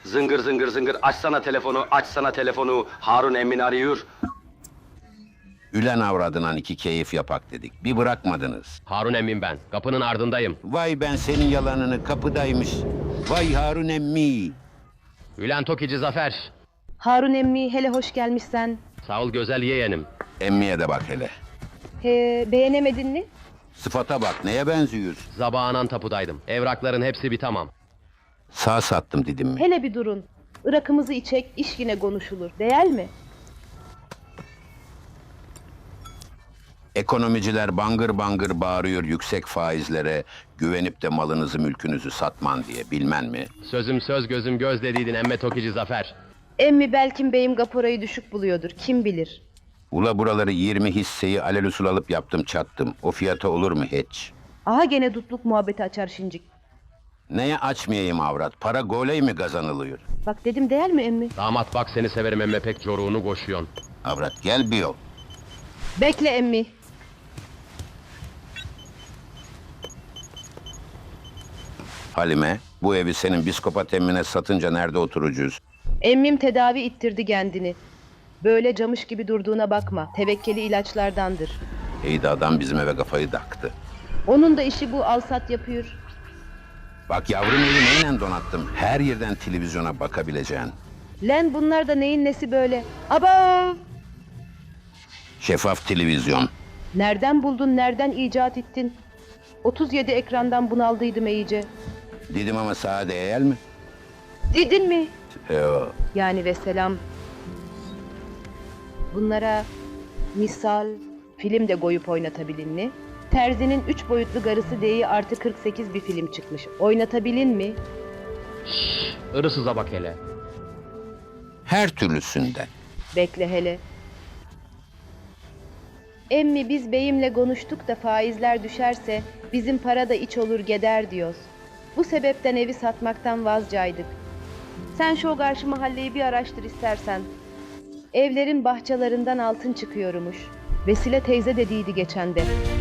Zıngır zıngır zıngır açsana telefonu, açsana telefonu. Harun emmin arıyor. Ülen avradından iki keyif yapak dedik. Bir bırakmadınız. Harun emmim ben. Kapının ardındayım. Vay ben senin yalanını kapıdaymış. Vay Harun emmi. Ülen Tokici Zafer. Harun emmi hele hoş gelmişsen. Sağ ol güzel yeğenim. Emmiye de bak hele. Beğenemedin mi? Sıfata bak neye benziyor? Zabağanan tapudaydım. Evrakların hepsi bir tamam. Sağ sattım dedim mi? Hele bir durun. Irak'ımızı içek, iş yine konuşulur. Değil mi? Ekonomiciler bangır bangır bağırıyor yüksek faizlere, güvenip de malınızı mülkünüzü satman diye bilmen mi? Sözüm söz gözüm göz dediydin emme Tokici Zafer. Emmi belki beyim kaporayı düşük buluyordur. Kim bilir? Ula buraları 20 hisseyi alelüsul alıp yaptım çattım. O fiyata olur mu hiç? Aha gene dutluk muhabbeti açar şincik. Neye açmayayım avrat? Para goley mi kazanılıyor? Bak dedim değil mi emmi? Damat bak seni severim emme pek coruğunu koşuyon. Avrat gel bir yol. Bekle emmi. Halime, bu evi senin biskopat emmine satınca nerede oturacağız? Emmim tedavi ittirdi kendini. Böyle camış gibi durduğuna bakma. Tevekkeli ilaçlardandır. İyi de adam bizim eve kafayı taktı. Onun da işi bu alsat yapıyor. Bak yavrum evi neyle donattım? Her yerden televizyona bakabileceğin. Len bunlar da neyin nesi böyle? Aba! Şeffaf televizyon. Nereden buldun, nereden icat ettin? 37 ekrandan bunaldıydım iyice. Dedim ama sağa değer mi? Dedin mi? Yo. Yani vesselam. Bunlara misal film de koyup oynatabilin mi? Terzi'nin 3 boyutlu garısı D'yi artı 48 bir film çıkmış. Oynatabilin mi? Irısıza bak hele. Her türlüsünden. Bekle hele. Emmi biz beyimle konuştuk da faizler düşerse bizim para da iç olur gider diyoruz. Bu sebepten evi satmaktan vazcaydık. Sen şu karşı mahalleyi bir araştır istersen. Evlerin bahçelerinden altın çıkıyormuş. Vesile teyze dediydi geçen de.